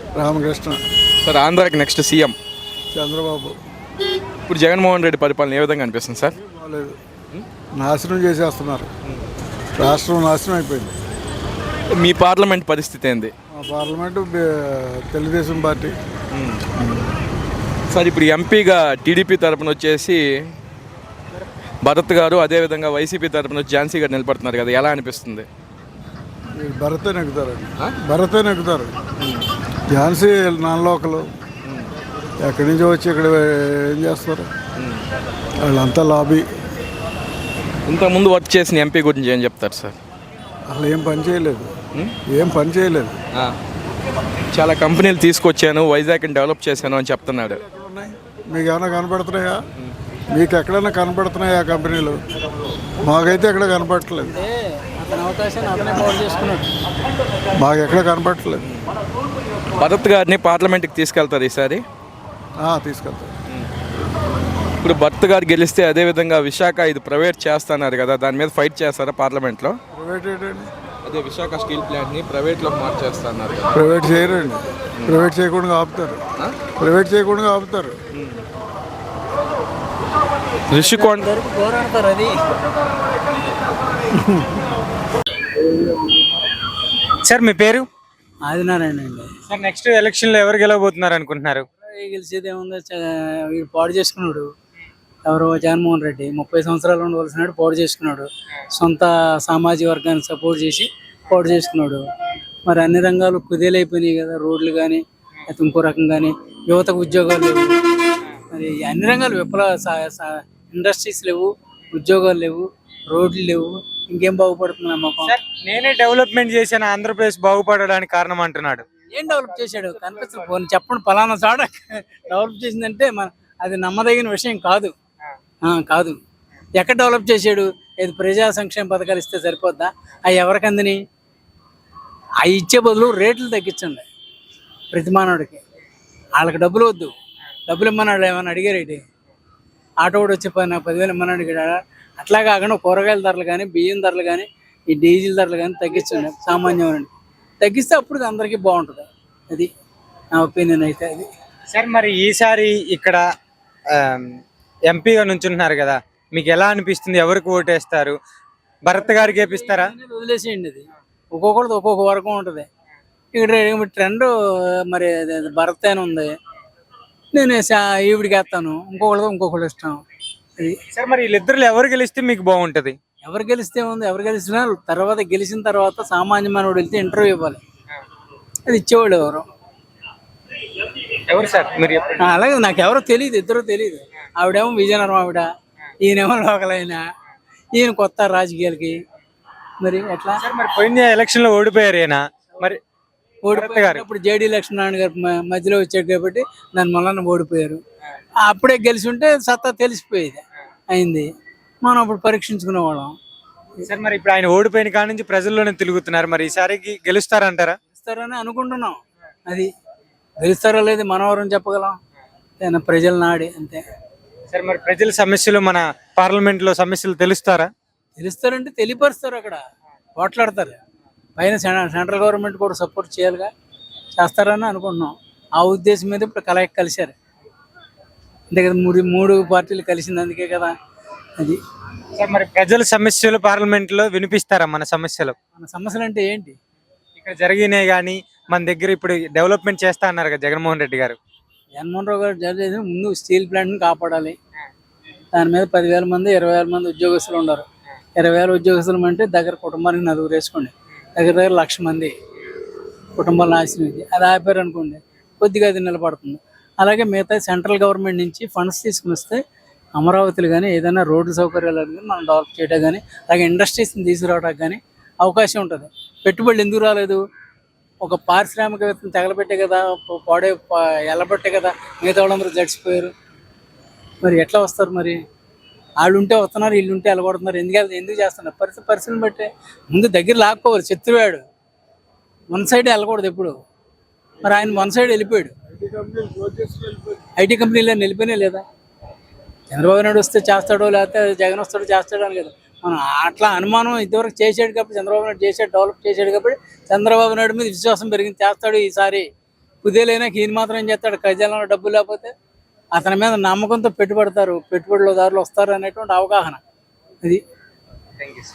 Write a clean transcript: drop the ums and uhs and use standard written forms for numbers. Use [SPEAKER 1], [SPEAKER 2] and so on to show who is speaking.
[SPEAKER 1] Ramakrishna.
[SPEAKER 2] Sir ఆంధ్రాకి next CM
[SPEAKER 1] Chandrababu.
[SPEAKER 2] ఇప్పుడు జగన్మోహన్ రెడ్డి పరిపాలన ఏ విధంగా అనిపిస్తుంది సార్?
[SPEAKER 1] బాగాలేదు, నాశనం చేసేస్తున్నారు. రాష్ట్రం నాశనం అయిపోయింది.
[SPEAKER 2] మీ పార్లమెంట్ పరిస్థితి ఏంది?
[SPEAKER 1] మా పార్లమెంటు తెలుగుదేశం పార్టీ.
[SPEAKER 2] సార్ ఇప్పుడు ఎంపీగా టీడీపీ తరపున వచ్చేసి భరత్ గారు, అదేవిధంగా వైసీపీ తరపున వచ్చి ఝాన్సీ గారు నిలబడుతున్నారు కదా, ఎలా అనిపిస్తుంది?
[SPEAKER 1] భరతే నెగ్గుతారండి, భరతే నెగ్గుతారు. ఝాన్సీ నాన్ లోకలు, ఎక్కడి నుంచి వచ్చి ఇక్కడ ఏం చేస్తారు? వాళ్ళంతా లాబీ.
[SPEAKER 2] ఇంతకుముందు వర్క్ చేసిన ఎంపీ గురించి ఏం చెప్తారు సార్?
[SPEAKER 1] అసలు ఏం పని చేయలేదు, ఏం పని చేయలేదు.
[SPEAKER 2] చాలా కంపెనీలు తీసుకొచ్చాను, వైజాగ్ని డెవలప్ చేశాను అని చెప్తున్నాడు.
[SPEAKER 1] మీకు ఏమైనా కనపడుతున్నాయా? మీకు ఎక్కడైనా కనపడుతున్నాయా కంపెనీలు? మాకైతే ఎక్కడ కనపడట్లేదు, మాకు ఎక్కడ కనపడట్లేదు.
[SPEAKER 2] భరత్ గారిని పార్లమెంట్కి తీసుకెళ్తారు ఈసారి?
[SPEAKER 1] తీసుకెళ్తారు.
[SPEAKER 2] ఇప్పుడు భరత్ గారు గెలిస్తే అదేవిధంగా విశాఖ ఇది ప్రైవేట్ చేస్తున్నారు కదా, దాని మీద ఫైట్ చేస్తారా పార్లమెంట్లో?
[SPEAKER 1] ప్రైవేట్ ఏంటండి?
[SPEAKER 2] అదే విశాఖ స్టీల్ ప్లాంట్ని ప్రైవేట్లోకి మార్చేస్తున్నారు.
[SPEAKER 1] ప్రైవేట్ చేయరండి, ప్రైవేట్ చేయకుండా ఆపుతారు, ప్రైవేట్ చేయకుండా ఆపుతారు.
[SPEAKER 2] రిషికొండ
[SPEAKER 3] అది
[SPEAKER 4] సార్ మీ పేరు?
[SPEAKER 3] ఆదినారాయణ అండి.
[SPEAKER 4] సార్ నెక్స్ట్ ఎలక్షన్లో ఎవరు గెలవబోతున్నారు అనుకుంటున్నారు?
[SPEAKER 3] గెలిచేది ఏముందో వీడు పాడు చేసుకున్నాడు. ఎవరు? జగన్మోహన్ రెడ్డి 30 సంవత్సరాలు ఉండవలసినాడు, పాడు చేసుకున్నాడు. సొంత సామాజిక వర్గాన్ని సపోర్ట్ చేసి పాడు చేసుకున్నాడు. మరి అన్ని రంగాలు కుదేలైపోయినాయి కదా, రోడ్లు కానీ ఇంకో రకం కానీ, యువతకు ఉద్యోగాలు లేవు. మరి అన్ని రంగాలు ఇండస్ట్రీస్ లేవు, ఉద్యోగాలు లేవు, రోడ్లు లేవు. ఇంకేం బాగుపడుతుంది నమ్మకం?
[SPEAKER 4] నేనే డెవలప్మెంట్ చేశాను, ఆంధ్రప్రదేశ్ బాగుపడడానికి కారణం అంటున్నాడు.
[SPEAKER 3] ఏం డెవలప్ చేశాడు? కనిపిస్తుంది. చెప్పండి, పలానా చాడ డెవలప్ చేసిందంటే అది నమ్మదగిన విషయం కాదు. కాదు. ఎక్కడ డెవలప్ చేశాడు? ఏది ప్రజా సంక్షేమ పథకాలు ఇస్తే సరిపోద్దా? అవి ఎవరికి అందని? అవి ఇచ్చే బదులు రేట్లు తగ్గించండి ప్రతి మానవుడికి. వాళ్ళకి డబ్బులు వద్దు, డబ్బులు ఇమ్మన్నాడు ఏమన్నా అడిగారేంటి? ఆటో కూడా వచ్చి 10,000 ఇమ్మన్నాడు అడిగాడా? అట్లా కాకుండా కూరగాయల ధరలు కానీ, బియ్యం ధరలు కానీ, ఈ డీజిల్ ధరలు కానీ తగ్గించండి సామాన్యమైన. తగ్గిస్తే అప్పుడు అందరికీ బాగుంటుంది. అది నా ఒపీనియన్ అయితే. అది
[SPEAKER 4] సార్ మరి ఈసారి ఇక్కడ ఎంపీగా నుంచుంటున్నారు కదా, మీకు ఎలా అనిపిస్తుంది? ఎవరికి ఓటేస్తారు? భరత్ గారికి గెలిపిస్తారా?
[SPEAKER 3] వదిలేసేయండి. అది ఒక్కొక్కరిది ఒక్కొక్క వర్గం ఉంటుంది. ఇక్కడ ట్రెండ్ మరి భరత్ అని ఉంది, నేను ఈవిడికి వేస్తాను. ఇంకొకటి ఇష్టం. అది
[SPEAKER 4] సార్ మరి వీళ్ళిద్దరు ఎవరు గెలిస్తే మీకు బాగుంటుంది?
[SPEAKER 3] ఎవరు గెలిస్తే ఉంది? ఎవరు గెలిచినా తర్వాత గెలిచిన తర్వాత సామాన్యమైన వెళ్తే ఇంటర్వ్యూ ఇవ్వాలి. అది ఇచ్చేవాళ్ళు
[SPEAKER 4] ఎవరు సార్? మీరు
[SPEAKER 3] అలాగే నాకు ఎవరో తెలియదు, ఇద్దరు తెలియదు. ఆవిడేమో విజయనగరం ఆవిడ, ఈయనేమో లోకలైన, ఈయన కొత్త రాజకీయాలకి. మరి ఎట్లా?
[SPEAKER 4] మరి పోయిన ఎలక్షన్ లో ఓడిపోయారు ఈయన. మరి
[SPEAKER 3] ఓడిపోయారు. ఇప్పుడు జేడీ లక్ష్మీనారాయణ గారు మధ్యలో వచ్చాడు కాబట్టి దాని వలన ఓడిపోయారు. అప్పుడే గెలిచి ఉంటే సత్తా తెలిసిపోయేది అయింది. మనం అప్పుడు పరీక్షించుకునే వాళ్ళం.
[SPEAKER 4] సార్ మరి ఇప్పుడు ఆయన ఓడిపోయిన కాడ నుంచి ప్రజల్లోనే తిరుగుతున్నారు, మరి ఈసారికి గెలుస్తారంటారా?
[SPEAKER 3] గెలుస్తారని అనుకుంటున్నాం. అది గెలుస్తారో లేదు మనం ఎవరని చెప్పగలం? ప్రజల నాడి అంతే.
[SPEAKER 4] సార్ మరి ప్రజల సమస్యలు మన పార్లమెంట్ లో సమస్యలు
[SPEAKER 3] తెలుస్తారంటే తెలియపరుస్తారు, అక్కడ పోట్లాడతారు. పైన సెంట్రల్ గవర్నమెంట్ కూడా సపోర్ట్ చేయాలిగా, చేస్తారని అనుకుంటున్నాం. ఆ ఉద్దేశం మీద ఇప్పుడు కలిశారు అంతే కదా. మూడు పార్టీలు కలిసింది అందుకే కదా. అది
[SPEAKER 4] సార్ మరి ప్రజల సమస్యలు పార్లమెంట్ లో వినిపిస్తారా? మన సమస్యలు
[SPEAKER 3] అంటే ఏంటి?
[SPEAKER 4] ఇక్కడ జరిగినాయి కానీ మన దగ్గర ఇప్పుడు డెవలప్మెంట్ చేస్తా అన్నారు కదా జగన్మోహన్ రెడ్డి గారు.
[SPEAKER 3] జగన్మోహన్ రావు గారు జరిగేది ముందు స్టీల్ ప్లాంట్ని కాపాడాలి. దాని మీద 10,000 మంది 20,000 మంది ఉద్యోగస్తులు ఉన్నారు. 20,000 ఉద్యోగస్తులు అంటే దగ్గర కుటుంబానికి 4 వేసుకోండి, దగ్గర 1,00,000 మంది కుటుంబాలు నాశనం. అది ఆపారు అనుకోండి, కొద్దిగా అది నిలబడుతుంది. అలాగే మిగతా సెంట్రల్ గవర్నమెంట్ నుంచి ఫండ్స్ తీసుకుని వస్తే అమరావతిలో కానీ ఏదైనా రోడ్డు సౌకర్యాలు కానీ మనం డెవలప్ చేయడం కానీ, అలాగే ఇండస్ట్రీస్ని తీసుకురావడానికి కానీ అవకాశం ఉంటుంది. పెట్టుబడులు ఎందుకు రాలేదు? ఒక పారిశ్రామికవేత్తను తగలబెట్టే కదా, ఎల్లబట్టే కదా మిగతా వాళ్ళందరూ జడిచిపోయారు. మరి ఎట్లా వస్తారు? మరి వాళ్ళు ఉంటే వస్తున్నారు, వీళ్ళు ఉంటే వెళ్ళబడుతున్నారు. ఎందుకు చేస్తున్నారు? పరిస్థితిని బట్టే ముందు దగ్గర లాక్కోవాలి. శత్రువాడు వన్ సైడ్ వెళ్ళకూడదు ఎప్పుడు. మరి ఆయన వన్ సైడ్ వెళ్ళిపోయాడు. ఐటీ కంపెనీలో వెళ్ళిపోయినా లేదా? చంద్రబాబు నాయుడు వస్తే చేస్తాడో, లేకపోతే జగన్ వస్తాడో చేస్తాడో అని కదా మనం అట్లా అనుమానం. ఇంతవరకు చేసాడు కాబట్టి చంద్రబాబు నాయుడు చేసాడు, డెవలప్ చేసాడు కాబట్టి చంద్రబాబు నాయుడు మీద విశ్వాసం పెరిగింది. చేస్తాడు ఈసారి కుదేలైనా ఈయన మాత్రం ఏం చేస్తాడు, ఖజానాలో డబ్బు లేకపోతే అతని మీద నమ్మకంతో పెట్టుబడతారు, పెట్టుబడిదారులు వస్తారు అనేటువంటి అవగాహన. అది